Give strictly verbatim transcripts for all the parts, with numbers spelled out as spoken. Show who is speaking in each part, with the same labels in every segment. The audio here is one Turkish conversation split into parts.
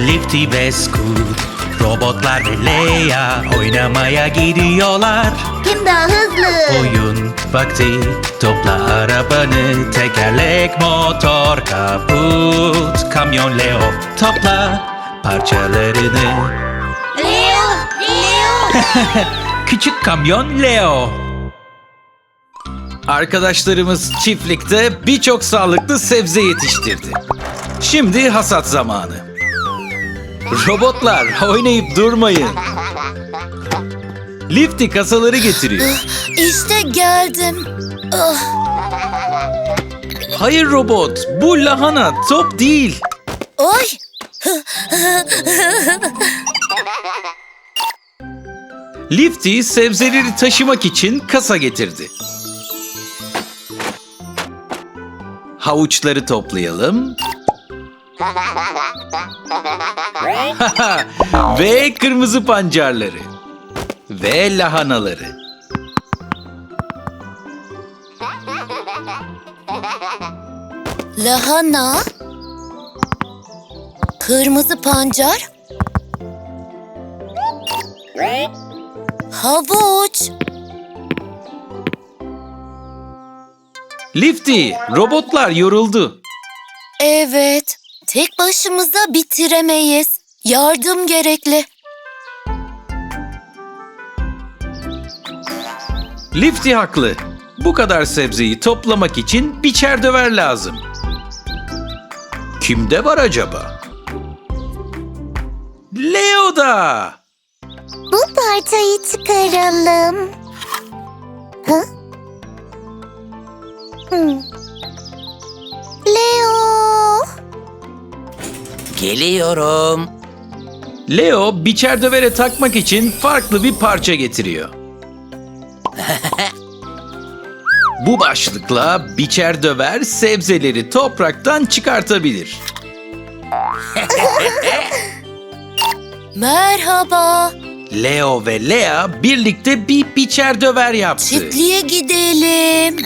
Speaker 1: Lifty ve Scoot, robotlar ve Leia oynamaya gidiyorlar.
Speaker 2: Kim daha hızlı?
Speaker 1: Oyun vakti, topla arabanı, tekerlek, motor, kaput, kamyon Leo, topla parçalarını.
Speaker 2: Leo! Leo!
Speaker 1: Küçük kamyon Leo.
Speaker 3: Arkadaşlarımız çiftlikte birçok sağlıklı sebze yetiştirdi. Şimdi hasat zamanı. Robotlar, oynayıp durmayın. Lifty kasaları getiriyor.
Speaker 4: İşte geldim. Ah,
Speaker 3: Hayır robot, bu lahana, top değil.
Speaker 4: Ay!
Speaker 3: Lifty sebzeleri taşımak için kasa getirdi. Havuçları toplayalım. Ve kırmızı pancarları. Ve lahanaları.
Speaker 4: Lahana, kırmızı pancar, havuç.
Speaker 3: Lifty, robotlar yoruldu.
Speaker 4: Evet, tek başımıza bitiremeyiz. Yardım gerekli.
Speaker 3: Lifty haklı. Bu kadar sebzeyi toplamak için biçer döver lazım. Kimde var acaba? Leo'da.
Speaker 2: Bu parçayı çıkaralım. Hı? Hmm. Leo!
Speaker 5: Geliyorum.
Speaker 3: Leo biçer dövere takmak için farklı bir parça getiriyor. Bu başlıkla biçer döver sebzeleri topraktan çıkartabilir.
Speaker 4: Merhaba,
Speaker 3: Leo ve Lea birlikte bir biçer döver yaptı.
Speaker 4: çiftliğe gidelim.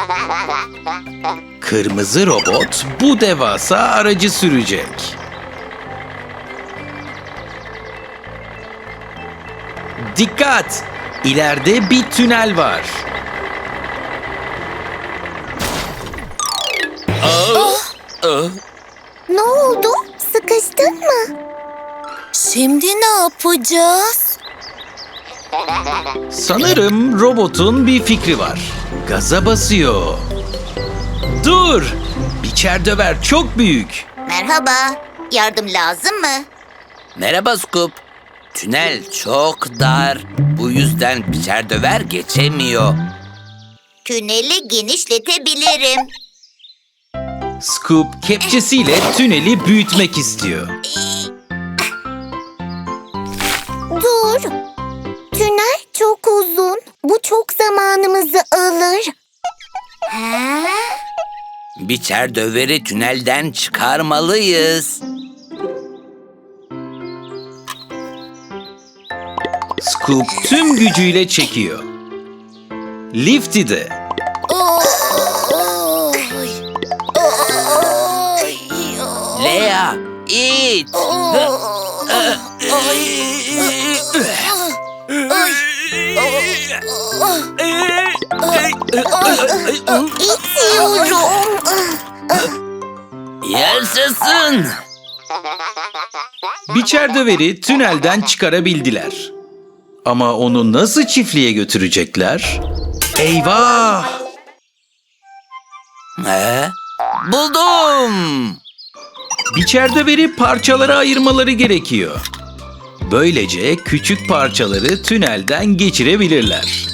Speaker 3: Kırmızı robot bu devasa aracı sürecek. Dikkat! İleride bir tünel var.
Speaker 2: Ne oldu? Sıkıştın mı?
Speaker 4: Şimdi ne yapacağız?
Speaker 3: Sanırım robotun bir fikri var. Gaza basıyor. Dur! Biçer döver çok büyük.
Speaker 2: Merhaba. Yardım lazım mı?
Speaker 5: Merhaba Scoop. Tünel çok dar. Bu yüzden biçer döver geçemiyor.
Speaker 2: Tüneli genişletebilirim.
Speaker 3: Scoop kepçesiyle tüneli büyütmek istiyor.
Speaker 2: Dur. Tünel çok uzun. Bu çok zamanımızı alır. Ha?
Speaker 5: Biçer döveri tünelden çıkarmalıyız.
Speaker 3: Scoop tüm gücüyle çekiyor. Lifty de.
Speaker 4: Oy, oy, oy.
Speaker 5: Lea, it.
Speaker 2: İtiyorum.
Speaker 5: Yaşasın.
Speaker 3: Biçer döveri tünelden çıkarabildiler. Ama onu nasıl çiftliğe götürecekler? Eyvah!
Speaker 5: He? Buldum.
Speaker 3: Biçer döveri parçalara ayırmaları gerekiyor. Böylece küçük parçaları tünelden geçirebilirler.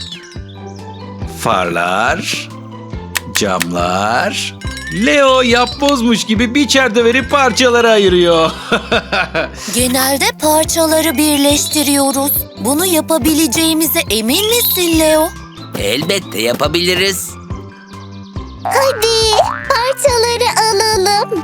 Speaker 3: Farlar, camlar... Leo yapbozmuş gibi biçer döveri parçalara ayırıyor.
Speaker 4: Genelde parçaları birleştiriyoruz. Bunu yapabileceğimize emin misin Leo?
Speaker 5: Elbette yapabiliriz.
Speaker 2: Hadi parçaları alalım.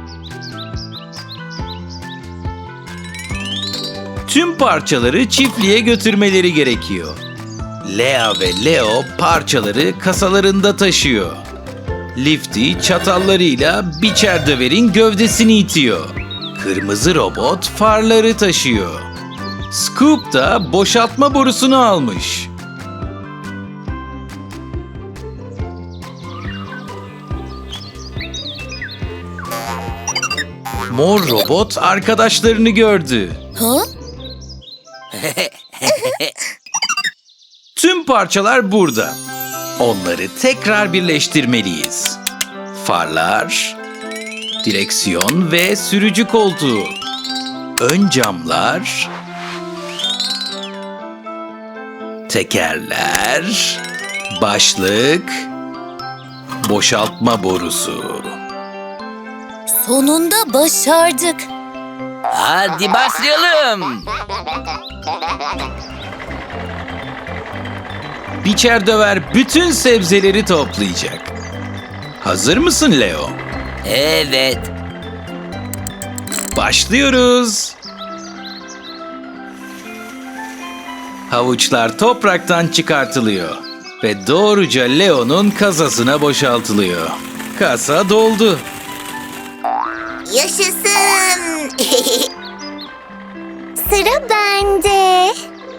Speaker 3: Tüm parçaları çiftliğe götürmeleri gerekiyor. Lea ve Leo parçaları kasalarında taşıyor. Lifty çatallarıyla biçer döverin gövdesini itiyor. Kırmızı robot farları taşıyor. Scoop da boşaltma borusunu almış. Mor robot arkadaşlarını gördü.
Speaker 4: Ha?
Speaker 3: Tüm parçalar burada. Onları tekrar birleştirmeliyiz. Farlar, direksiyon ve sürücü koltuğu. Ön camlar, tekerler, başlık, boşaltma borusu.
Speaker 4: Sonunda başardık.
Speaker 5: Hadi başlayalım.
Speaker 3: Biçer döver bütün sebzeleri toplayacak. Hazır mısın Leo?
Speaker 5: Evet.
Speaker 3: Başlıyoruz. Havuçlar topraktan çıkartılıyor ve doğruca Leo'nun kasasına boşaltılıyor. Kasa doldu.
Speaker 2: Yaşasın. Sıra bende.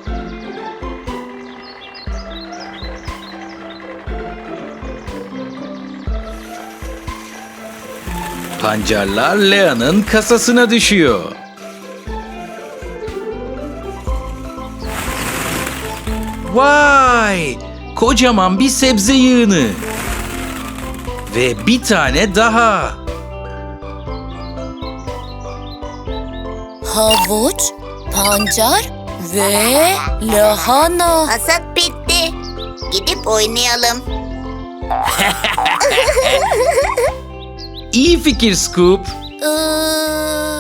Speaker 3: Pancarlar Lea'nın kasasına düşüyor. Vay! Kocaman bir sebze yığını. Ve bir tane daha.
Speaker 4: Havuç, pancar ve lahana.
Speaker 2: Hasat bitti. Gidip oynayalım.
Speaker 3: İyi fikir Scoop.
Speaker 4: Ee,